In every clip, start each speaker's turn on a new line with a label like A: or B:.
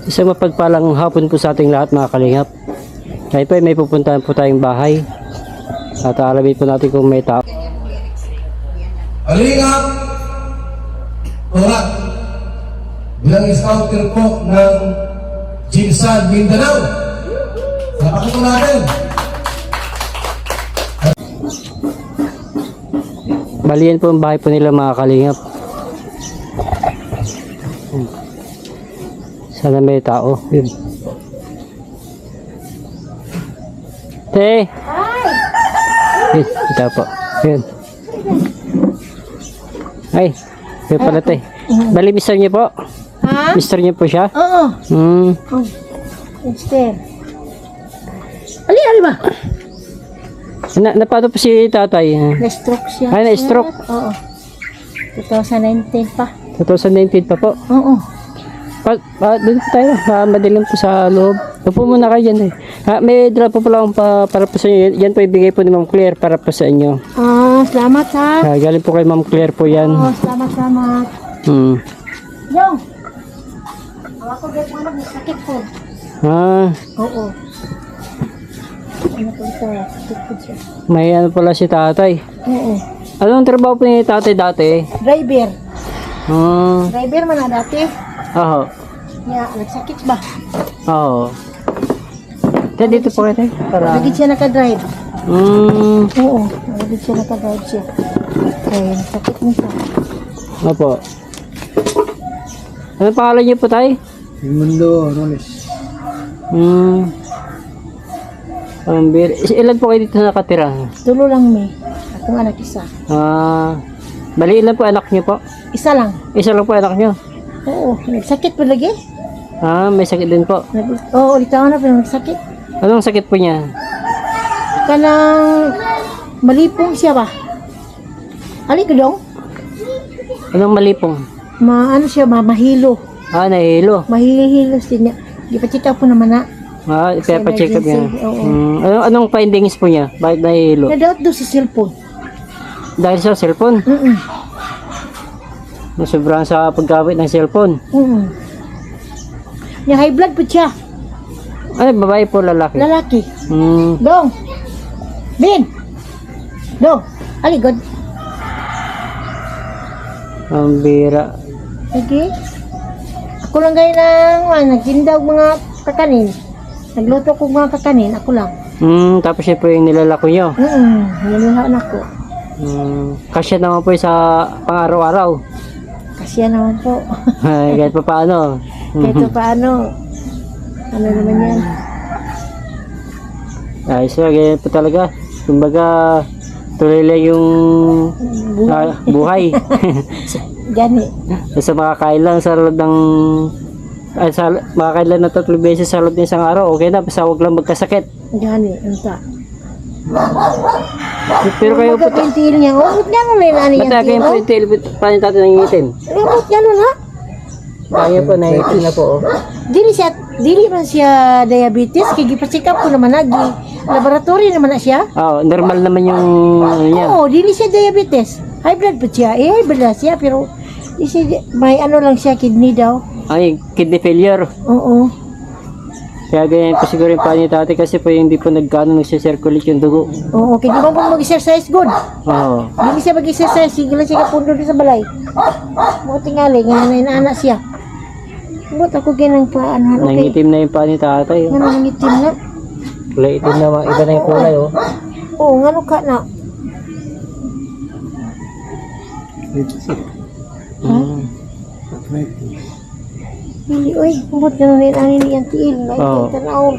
A: Isang mapagpalang hapon po sa ating lahat mga kalingap. Ngayon po ay may pupuntahan po tayong bahay. At alamin po natin kung may tao.
B: Kalingap! Turat! Bilang scouter po ng Jinsan, Mindanao. Napakita natin!
A: Balian po ang bahay po nila mga kalingap. Sana may tao. Yun. Te! Yun, ito po. Yun. Ay, yun pala te. Bali, mister niyo po?
C: Ha?
A: Mister niyo po siya?
C: Oo.
A: Hmm.
C: Oh. Mister. Ali ba?
A: Napato po si tatay.
C: Na-stroke siya.
A: Ay, na-stroke?
C: Oo. 2019 pa.
A: 2019 pa po.
C: Oo.
A: Doon po tayo. Madilim po sa loob. Upo muna kayo dyan eh. May dala po pala akong para po sa inyo. Yan po ibigay po ni Ma'am Claire para po sa inyo.
C: Salamat ha.
A: Galing po kay Ma'am Claire po yan.
C: Oo, salamat.
A: Hmm.
C: Yo! Ako gaya mo sakit po. Oo. Ano po ito? Sakit po siya.
A: May ano pala si tatay.
C: Oo.
A: Anong trabaho po ni tatay dati?
C: Driver.
A: Hmm.
C: Driver man na dati.
A: Oo.
C: Nagsakit ba?
A: Oo. Dito po kayo tayo.
C: Lagi siya nakadrive.
A: Hmm.
C: Oo. Lagi siya nakadrive siya. Kaya nagsakit mo siya.
A: Opo. Anong pangalan niyo po tayo?
B: Mundo, Rones.
A: Hmm. Ilan po kayo dito nakatira?
C: Tulo lang may. Akong anak isa.
A: Bali ilan po anak niyo po?
C: Isa lang.
A: Isa lang po anak niyo?
C: Oo. Nagsakit pa lagi.
A: May sakit din po.
C: Oo, ulit ako na pero nagsakit.
A: Anong sakit po niya?
C: Kanang malipong siya ba? Ali ko dong?
A: Anong malipong?
C: Ano siya ba? Mahilo.
A: Nahihilo.
C: Mahilo siya niya. Di pa check up po naman na.
A: Ipapacheck up niya.
C: Emergency, oo.
A: Anong findings po niya? Bakit nahihilo?
C: Na-doubt daw sa cellphone.
A: Dahil sa cellphone? Sobrang sa paggamit ng cellphone.
C: Yung high blood po siya.
A: Ano, babae po lalaki?
C: Lalaki.
A: Hmm.
C: Dong! Bin! Dong! Ali, God.
A: Ang bira.
C: Sige. Ako lang kayo nagtinda og mga kakanin. Nagluto ko mga kakanin, ako lang.
A: Tapos siya po yung nilalako niyo.
C: Nilalaan ako.
A: Kasya naman po sa pang-araw-araw.
C: Kasi naman po.
A: Kahit pa paano.
C: Kahit paano. Ano naman yan?
A: Ayos na, ganyan po talaga. Kumbaga, tuloy lang yung buhay.
C: Gani.
A: Sa makakain lang sa loob ng makakain lang na 3 beses sa loob ng isang araw, okay na, basta huwag lang magkasakit.
C: Gani. Anta.
A: Pero kayo po,
C: Yung tiil niya. Ba't gano'n na yung
A: ba't kayo po yung tail, paano natin nangitin?
C: Ba't gano'n ha?
A: Kaya po, nangitin na po.
C: Dili man siya diabetes. Kaya gipa-check up ko naman na. Laboratory naman na siya.
A: Normal naman yung ano niya.
C: Oo, dili siya diabetes. High blood po siya. High blood na siya. Pero may ano lang siya, kidney daw.
A: Ay, kidney failure.
C: Oo.
A: Kaya ganyan po siguro yung pani tatay kasi po hindi po nagkano nagsisirculate yung dugo.
C: Oo, kaya di ba po mag-exercise good?
A: Oo.
C: Dili siya mag-exercise. Sige lang siya kapundo sa balay. Mga tingali, nga na siya. Ba't ako ganang pa, ano, okay.
A: Nangitim na yung pani tatay.
C: Nga nangitim na.
A: Kulay itim na, iba na yung kulay oh.
C: Oo, nga ka na. Hindi, uy, ba't gano'n rin ang yung tiil?
A: Oo.
C: Tanaw.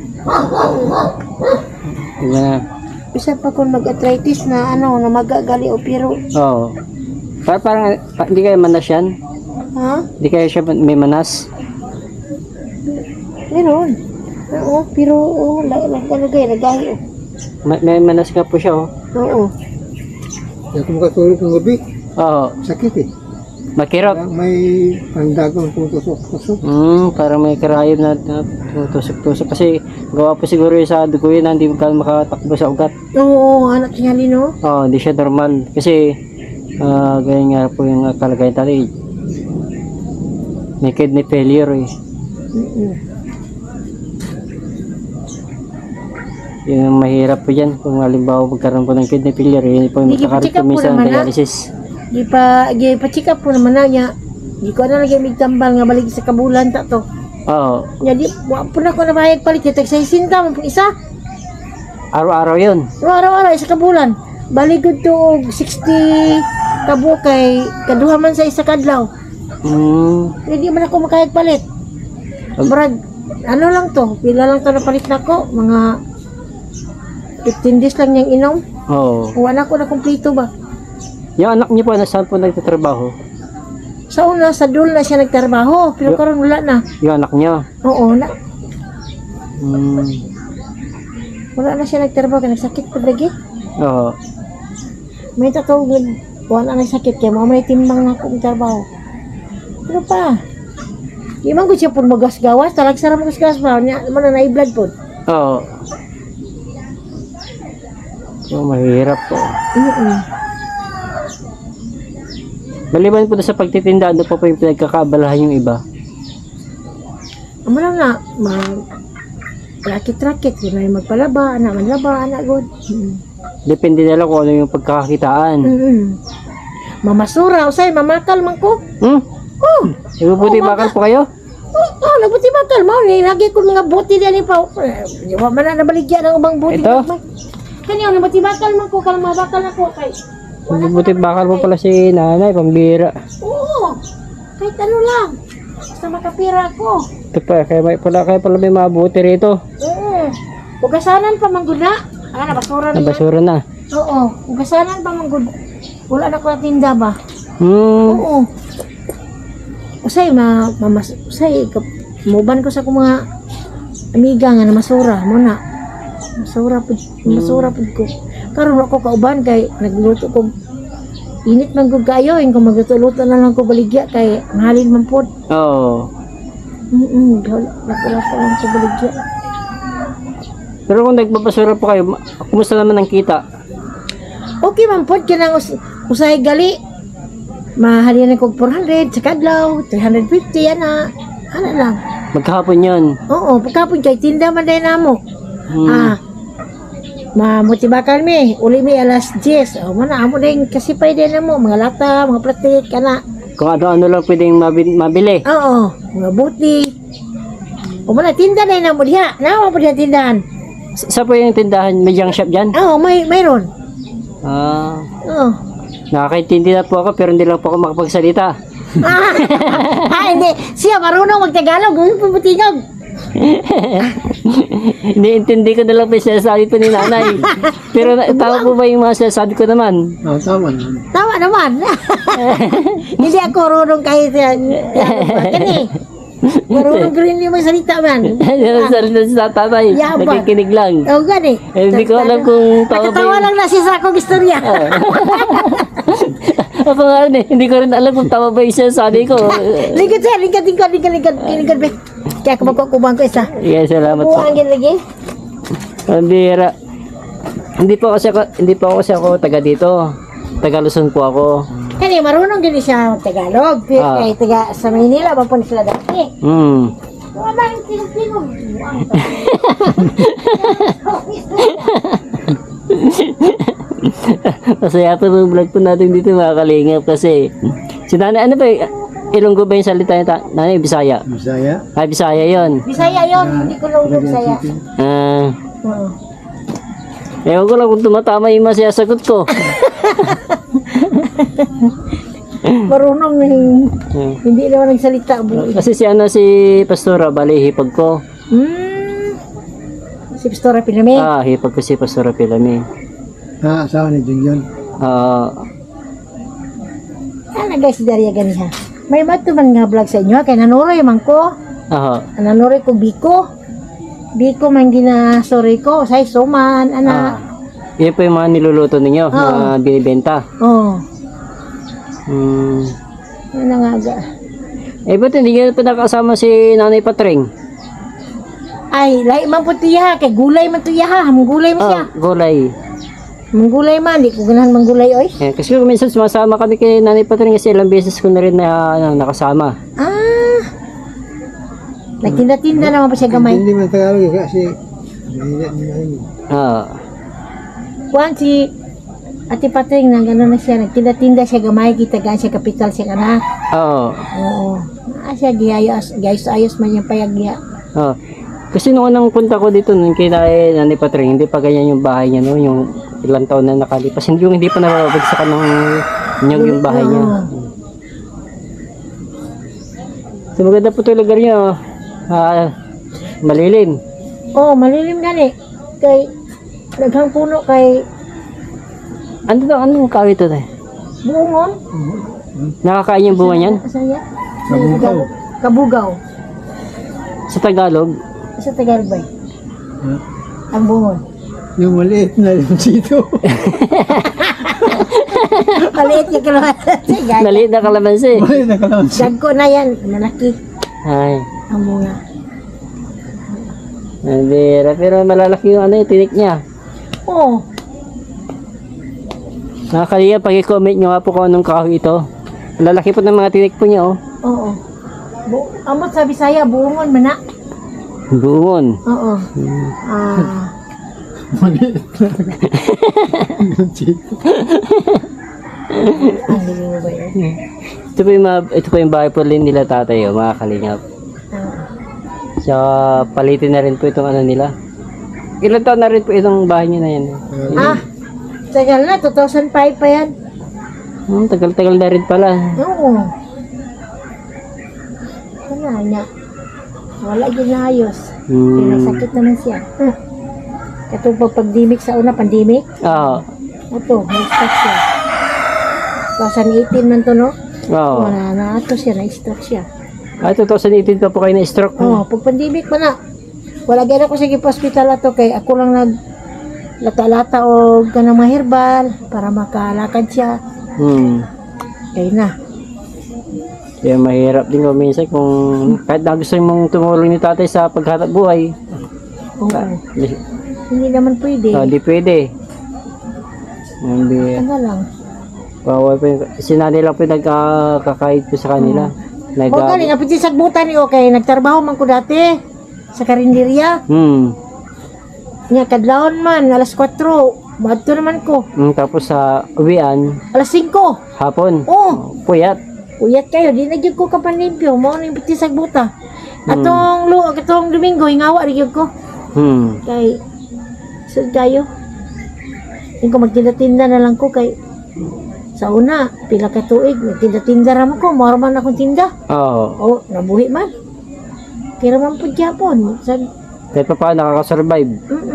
A: Iba na.
C: Isa pa kung mag-arthritis na ano, na magagali o pero.
A: Oo. Parang hindi kayo manas yan?
C: Ha?
A: Hindi kayo siya may manas?
C: Meron. Oo, pero lagay, oh.
A: May manas nga po siya oh.
C: Oo.
B: Hindi ako makatulog ng gabi.
A: Oo.
B: Sakit eh.
A: Makirap.
B: May pandagang tutusok-tusok.
A: Parang may karayom na tusok-tusok. Kasi gawa po siguro yung sa dugo yun na hindi makatakbo sa ugat.
C: Oo, anak niya no?
A: Oo, hindi siya normal. Kasi ganyan nga po yung kalagayan tali. May kidney failure eh.
C: Mm-mm.
A: Yun ang mahirap po dyan. Kung halimbawa magkaroon po ng kidney failure, yun po yung
C: Hindi,
A: magkakaroon
C: check up
A: po
C: po
A: minsan
C: naman,
A: ng dialysis.
C: Gi pa-check up po naman na niya. Di ko na lagi migtambal nga balik sa kabulan ta to.
A: Oo.
C: Nya di wa po na ko nabayag palit kita sa sinta mo po isa.
A: Araw-araw yun.
C: Araw-araw isa ka bulan. Baligod to 60 kabo kay kaduha man sa isa kadlaw. Hindi man ako makayag palit. Brad, ano lang to? Pila lang to na palit nako? Mga 15 days lang niyang inom.
A: Oo.
C: Wala ko na kumpleto ba?
A: Yung anak niyo po, nasaan po nagtatrabaho?
C: Sa una, sa dul na siya nagtrabaho. Pero karon wala na.
A: Yung anak niyo?
C: Oo, na.
A: Hmm.
C: Wala na siya nagtrabaho. Kaya nagsakit pa lagi.
A: Oo.
C: May tatawag. Wala na nagsakit. Kaya mga may timbang na akong trabaho. Pero pa. Di man ko siya po magasgawas. Talag sarap magasgawas pa. Mana na-blood po.
A: Oo. So, mahirap po. Maliban po na sa pagtitinda, ano po yung pinagkakabalahan yung iba?
C: Amo lang na. Rakit-rakit. Kung na yung magpalaba. Anak manlaba. Anak good.
A: Depende na lang kung ano yung pagkakakitaan.
C: Mamasura. Usay, mamakal man ko. Oh!
A: Ibubuti bakal po kayo?
C: Oh, nabuti bakal mo. Lagi ko mga buti din pa. Di ba man na nabaligyan ng ubang buti.
A: Ito?
C: Kanya, nabuti bakal man ko. Kalma bakal ako. Kay,
A: Ibubuti bakal po pala si nanay, pambira.
C: oo. Kahit ano lang. Basta makapira ako.
A: Ito pa, kaya pala may mabuti rito.
C: Oo. Ugasanan pa mangguna. Nabasura na yan.
A: Nabasura na.
C: Oo. Ugasanan pa mangguna. Wala na ko na tinda ba? Oo. Usay, usay, muban ko sa kong mga amiga nga na masura mo na. Masura po ko. Karon ako kauban kay nagluto ko. Init man gud kayo, kung magluto-luto na lang ko baligya kay mahalin man pod.
A: Oo.
C: Wala ko lang sa baligya.
A: Pero kung nagbabasura po kayo, kumusta naman ang kita?
C: Okay man pod kinang usay gali. Mahalin ko 400 sa kadlaw, 350 ana. Ana lang.
A: Magkahapon yun.
C: Oo, pagkapon kay tinda man dahil namo. Mamutibakal mi, uli mi alas 10. O mana amo din kasi pa din mo mga lata, mga plastic kana.
A: Kung ano-ano lang pwedeng mabili.
C: Oo, mga buti. O mana tinda din namo diha. Nawa pa diha tindahan.
A: Sa po yung tindahan, may junk shop dyan?
C: Oo, mayroon. Oo.
A: Nakakaintindi na po ako pero hindi lang po ako makapagsalita.
C: Hindi. Siya marunong magtagalog, puputingog.
A: Iniintindi ko na lang po yung sinasabi po ni nanay. Pero tama po ba yung mga sinasabi ko naman?
B: Oo, tama naman.
C: Tama naman. Hindi ako marunong kahit kani. Marunong rin yung mga salita man.
A: Salita sa tatay.
C: Yabang.
A: Nakikinig lang.
C: Oo, gani.
A: Hindi ko alam kung tama ba
C: Nakatawa
A: yung...
C: lang na siya sa akong istorya.
A: Ako nga rin eh. Hindi ko rin alam kung tama ba yung sinasabi ko.
C: Lingkod siya, lingkod. Be. Kaya kung magkukubang ko isa.
A: Yeah, salamat po.
C: Buwangin lagi.
A: Ang bihira. Hindi po kasi ako taga dito. Taga Luzon po ako.
C: Kani, marunong din siya Tagalog. Pero kay taga sa Maynila, mapun sila dati. Wala yung tinong-tinong.
A: Masaya po yung vlog po natin dito mga kalingap kasi si nanay, ano ba Ilonggo ba yung salita niya? Nanay, Bisaya?
B: Bisaya?
A: Ah, Bisaya yun.
C: Bisaya yun, hindi ko lang Bisaya. Oo.
A: Ewan ko lang kung tumatama yung mga sasagot ko.
C: Marunong hindi naman nagsalita.
A: Kasi si Pastora, bali hipag ko.
C: Si Pastora Pilame.
A: Hipag ko si Pastora Pilame.
B: Asawa ni Jung yun.
C: Ano guys, si Daria ganiha. May mato man nga vlog sa inyo, kay nanuroy man ko. Nanuroy ko Biko. Biko man sorry ko, say suman, ana.
A: Yan po yung mga niluluto ninyo, mga binibenta.
C: Oo.
A: Ano
C: nga ga.
A: Ba't hindi nyo pa nakasama si Nanay Patring?
C: Ay, lahi man po tiya, kay gulay man tiya ha, gulay mo siya.
A: Gulay.
C: Gulay man, di ko ganahan manggulay oy.
A: Kasi minsan sumasama kami kay Nanay Patring kasi ilang beses ko na rin na nakasama.
C: Nagtinda-tinda naman pa siya gamay.
B: Hindi man Tagalog kasi mahina ni Mahina.
A: Oo.
C: Kuan si Ate Patring na gano'n na siya. Nagtinda-tinda siya gamay. Kita gaan siya kapital siya kana.
A: Oo.
C: Oo. Siya gayos-ayos man yung payagya.
A: Oo. Kasi nung unang punta ko dito, nung kina Nanay Patring, hindi pa ganyan yung bahay niya, no? Yung ilang taon na nakalipas. Hindi pa nababagsakan ng yung bahay niya. So, maganda po ito lugar niya, oh. Malilim.
C: Oo, malilim gani. Kay, daghang puno kay
A: Anong kawi ito, tayo?
C: buongon.
A: Nakakain yung bunga niyan?
C: Asaya?
B: Kabugaw.
C: Kabugaw.
A: Sa Tagalog?
C: Sa Tagalbay.
B: Ha?
C: Ang buongon.
B: Yung maliit na limsito.
C: Maliit yung kalamansi.
A: Maliit na kalamansi.
B: Maliit na kalamansi.
C: Gagko na yan. Malaki.
A: Ay.
C: Ang bunga.
A: Nandira. Pero malalaki yung tinik niya.
C: Oo.
A: Nakakaliya, pag-comment nyo nga po kung anong kahoy ito. Lalaki po ng mga tinik po niya, oh.
C: Oo. Amot sa Bisaya, buongon man na.
A: Buon.
C: Oo.
B: Maliit na limsito.
C: Ang hindi mo ba yun?
A: Ito po yung bahay po rin nila tatay, oh, mga kalingap. So, palitin na rin po itong nila. Ilan taon na rin po itong bahay niyo na yan?
C: Tagal na, 2005 pa yan.
A: Tagal-tagal na rin pala.
C: Oo. Wala niya. Wala yun na ayos. Pinasakit naman siya. Ito po pagdimik sa una, pandemic.
A: Oo.
C: Ito, na-stroke siya. 2018 man to, no?
A: Oo.
C: Wala na ito siya, na-stroke siya.
A: 2018 pa po kayo na-stroke.
C: Oo, pag pandemic pa na. Wala gano'n ko sa hospital ato kay ako lang lata-lata o ganang mga herbal para makalakad siya. Kaya na.
A: Kaya mahirap din ko minsan kung kahit na gusto mong tumulong ni tatay sa paghanap buhay.
C: Oo. Hindi naman pwede.
A: Hindi pwede. Hindi.
C: Ano lang.
A: Bawal po yung, sinanay lang po yung nagkakakait po sa kanila.
C: O galing, apit sa sagbutan ni okay. Nagtrabaho man ko dati sa karinderya. Nga, kadlaon man, alas 4. Madto naman ko.
A: Tapos sa uwian,
C: Alas 5.
A: hapon.
C: Oh,
A: Puyat.
C: uyat kayo. Di na gyud ko kapanlimpyo. Mao ni piti sagbuta. Atong Domingo, hingawa rin gyud ko. Kay, sud kayo. Hindi ko magtinda-tinda na lang ko kay sa una, pila ka tuig, nagtinda-tinda raman ko, mara man akong tinda.
A: Oo.
C: Nabuhi man. Kira man po Japon.
A: Kahit pa paano nakakasurvive.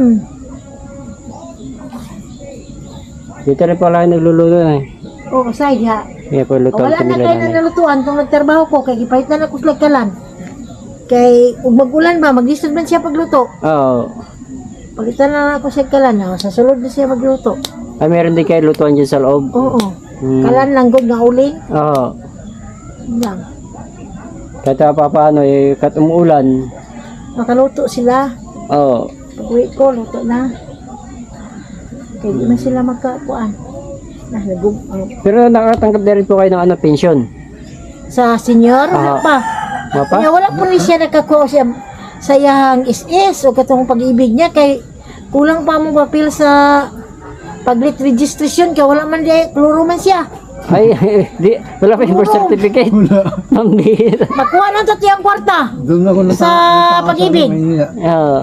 A: Dito rin pala yung nagluluto na eh.
C: Oo, side ha.
A: Kaya po lutuan
C: Wala
A: ko
C: na
A: nila
C: kayo na nalutuan kung nagtrabaho ko, kay gipahit na ako kalan. Kay, ug mag-ulan ba, maglisod man siya pagluto.
A: Oo.
C: Palitan na ako siya kalan, sa sulod na siya magluto.
A: Ay, meron din kayo lutuan dyan sa loob.
C: Oo. Kalan lang good nga uling.
A: Oo.
C: Lang.
A: Kahit pa paano eh, kahit umuulan.
C: Makaluto sila.
A: Oo.
C: Pag-uwi ko, luto na. Kaya di man sila magkakuan.
A: Pero nakatanggap na rin po kayo ng pension.
C: Sa senior, wala pa.
A: Mapa?
C: Kaya wala po ni siya nakakuha siya sa iyang SS o katong pag-ibig niya kay kulang pa mo papel sa paglit registration kaya wala man diay kloro man siya.
A: Ay, wala pa yung birth certificate. Ang bihira.
C: Makuha na to tiyang kwarta.
B: Doon ako
C: Sa pag-ibig.
A: Oo.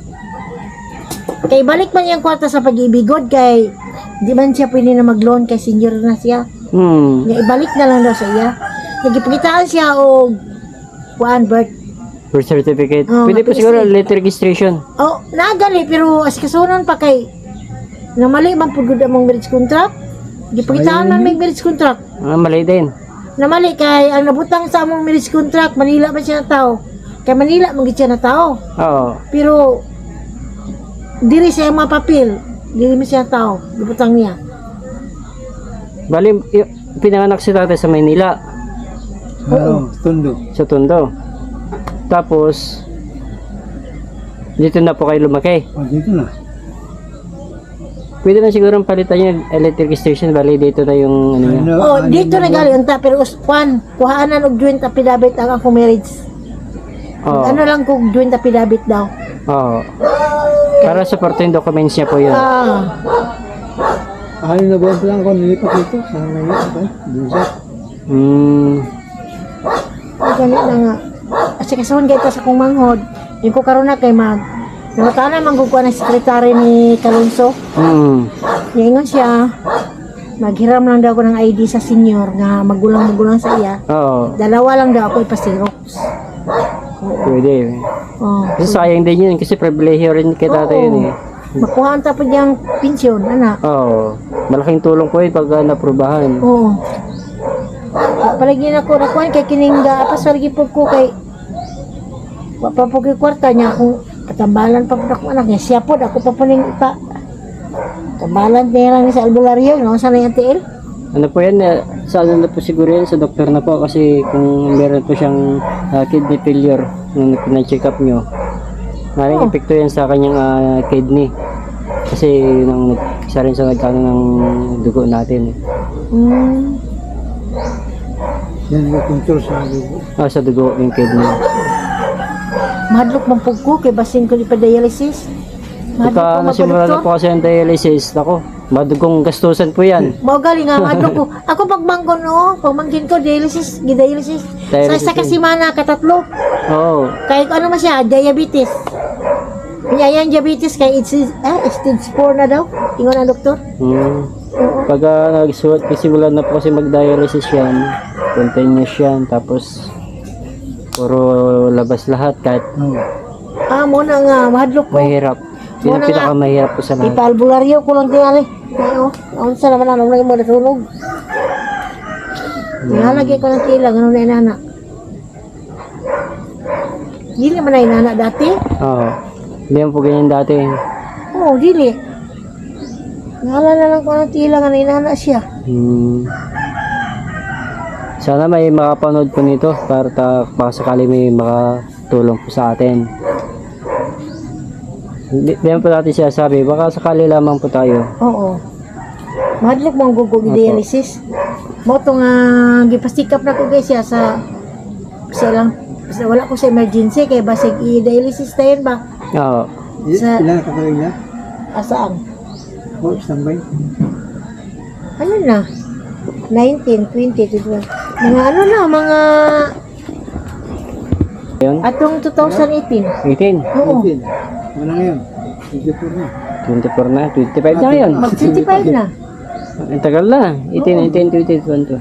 C: Kay balik man yung kwarta sa pag-ibig god kay di man siya pwede na mag-loan kay senior na siya. Nga ibalik na lang daw sa iya. Nagipakitaan siya og kuan birth
A: certificate.
C: Oo,
A: Pwede po siguro letter registration.
C: Oh, nagali pero as kasunon pa kay namali man pud gud among marriage contract. Gipakitaan man may marriage contract.
A: Mali din.
C: Namali kay ang nabutang sa among marriage contract Manila man siya na tao. Kay Manila man gid siya na tao.
A: Oo.
C: Pero diri sa mga papel, diri man siya tao. Gibutang niya.
A: Bali, pinanganak si tatay sa Maynila.
B: Oo, Tondo.
A: Sa Tondo. Tapos, dito na po kayo lumaki.
B: Dito na.
A: Pwede na siguro palitan yung electric station. Bali, dito na yung ano niya.
C: Dito na gali unta pero kuan, kuhaanan og joint affidavit ang akong marriage.
A: Oo.
C: Ano lang kung joint affidavit daw.
A: Oo. Para supportin documents niya po yun.
B: Ayun na buwan pa lang ako nilipat dito. Sa ngayon, okay? Bisa.
C: Ganit na nga. Kasi kasahon kayo sa kong manghod. Yung ko karoon na kay mag. Nakatana manggugwa na sekretary ni Kalunso. Ngayon siya, maghiram lang daw ako ng ID sa senior nga magulang-magulang sa iya.
A: Oo.
C: Dalawa lang daw ako ipasirox.
A: Pwede.
C: Oh.
A: Kasi sayang din yun kasi pribilehiyo rin kay tatay yun eh.
C: Makuha ang tapos niyang pensyon, anak.
A: Oo. Malaking tulong po yun pag naprubahan.
C: Oo. Palagi na ko nakuhan kay kiningga apas palagi po ko kay papapog kwarta niya kung katambalan pa po ako anak niya siya po ako pa paning pa tambalan niya lang sa albularyo no sa yung TL.
A: Ano po yan? Sa ano na po siguro yan? Sa doktor na po kasi kung meron po siyang kidney failure nung pina-check up nyo. Maraming epekto yan sa kanyang kidney. Kasi nang isa rin sa nagkano ng dugo natin.
B: Yan ang control sa dugo.
A: Sa dugo yung kidney.
C: Mahadlok man po ko kay basin ko di pa dialysis.
A: Pagka nasimula na po kasi ang dialysis, ako, madugong gastusan po yan.
C: Mao gali nga mahadlok ko. Ako pagmanggon pagmangkin ko dialysis, gidialysis. Sa kasimana katatlo.
A: Oo.
C: Kay ano man siya, diabetes. Kanya yan diabetes kay stage 4 na daw. Ingon ang doktor.
A: Pag nagsimula na po kasi mag-dialysis yan, continuous yan, tapos puro labas lahat kahit
C: Muna nga, mahadlok ko.
A: mahirap. Yun ang pinakamahirap po sa lahat.
C: Ipalbularyo ko lang tingali. Ayon sa naman anong nang mo natulog. Nalagay ko ng tila, ganun na inana. Dili man na inana dati.
A: Oo. Hindi yan po ganyan dati.
C: Oo, dili. Naalala lang ko ng tila nga na inana siya.
A: Sana may makapanood po nito para baka sakali may makatulong po sa atin. Hindi po natin siya sabi, baka sakali lamang po tayo.
C: Oo. Mahadlok mong gugog dialysis. Mo to nga gipastikap na ko guys siya sa lang. Basta wala ko sa emergency kay basig i-dialysis tayo ba?
A: Oo.
C: Sa-
B: Ilan ka talaga niya?
C: Asaan?
B: Standby.
C: Ano na? 19, 20, 21. Mga ano na, mga
A: Yun?
C: atong 2018.
A: 18.
C: Oo.
B: 18. Wala ngayon. 24 na.
A: 24 na. 25 na ngayon.
C: Mag 25 na.
A: Ang tagal na. 18, 19, 20, 21.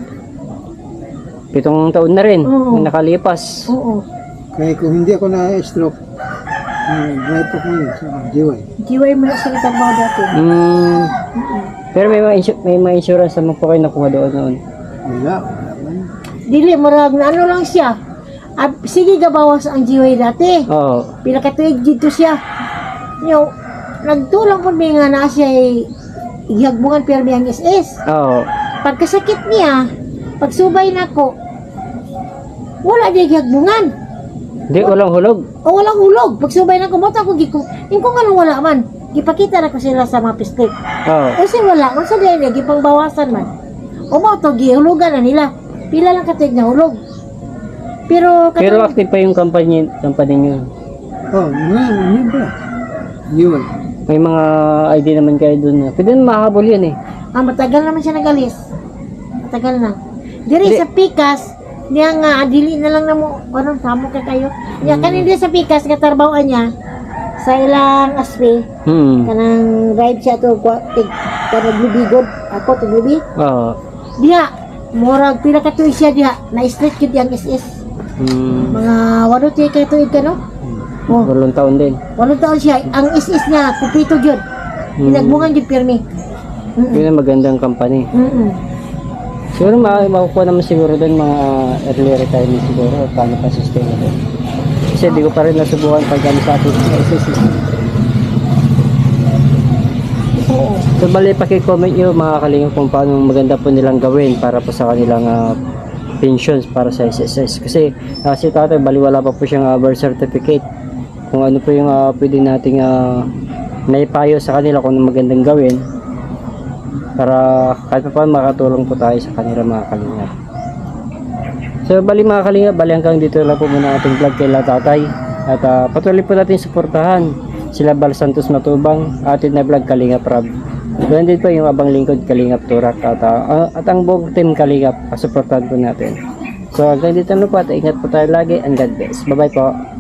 A: 7 taon na rin.
C: Oo.
A: Nakalipas.
C: Oo.
B: Kaya kung hindi ako na-stroke, drive ko ngayon sa GY.
C: GY mo na sa trabaho dati.
A: Pero may mga insurance naman po kayo nakuha doon noon.
B: Wala man.
C: Dili, marag na ano lang siya. Sige gabawas ang GY dati.
A: Oo.
C: Pila ka tuig dito siya. Yung, nagtulang po may nga na siya ihagbungan pero may ang SS.
A: Oo.
C: Pagkasakit niya, pagsubay na ko, wala di hagbungan.
A: Hindi, walang hulog.
C: O walang hulog. Pagsubay na ko, mata ko giko. Yung kung anong wala man, ipakita na ko sila sa mga pistik.
A: Oo.
C: Kasi wala, kung sa ganyan, gipang bawasan man. O mo to, gihulugan na nila. Pila lang katig na hulog. Pero
A: Active pa yung company nyo.
B: Oh, yun ba? GY.
A: May mga ID naman kayo doon. Pwede na makahabol yan eh.
C: matagal naman siya nagalis. Matagal na. Diri
A: Di-
C: sa Pikas, niya nga, adili na lang na mo, anong tamo ka kayo. Niya, kanina sa Pikas, katarbawaan niya, sa ilang aspe, kanang ride siya to, kanang lubigod, ako, tuglubi.
A: Oo.
C: Diya, murag, pila ka tuig siya diya, na-street kid yung SS. Mga walo tiya ka tuig ka, no? Oh,
A: 8 taon din.
C: 8 taon siya, ang SS niya, kupito yun. Pinagbungan yun pirmi.
A: Yun ang magandang company. Siguro makukuha naman siguro doon mga early retirement siguro. Paano pa sustainable. Kasi di ko pa rin nasubukan pag kami sa ating SSC.
C: Oo.
A: So bali paki-comment nyo mga kalingap kung paano maganda po nilang gawin para po sa kanilang pensions para sa SSS. Kasi si tatay bali wala pa po siyang birth certificate. Kung ano po yung pwede nating naipayo sa kanila kung ano magandang gawin para kahit pa paano makatulong po tayo sa kanila mga kalingap. So bali mga kalinga, bali hanggang dito lang po muna ating vlog kay tatay. At patuloy po natin suportahan sila Bal Santos Matubang, atin na vlog Kalinga Prab. Doon din po yung abang lingkod Kalingap Turak at ang buong team Kalingap, suportahan po natin. So hanggang dito na po at ingat po tayo lagi and God bless. Bye bye po.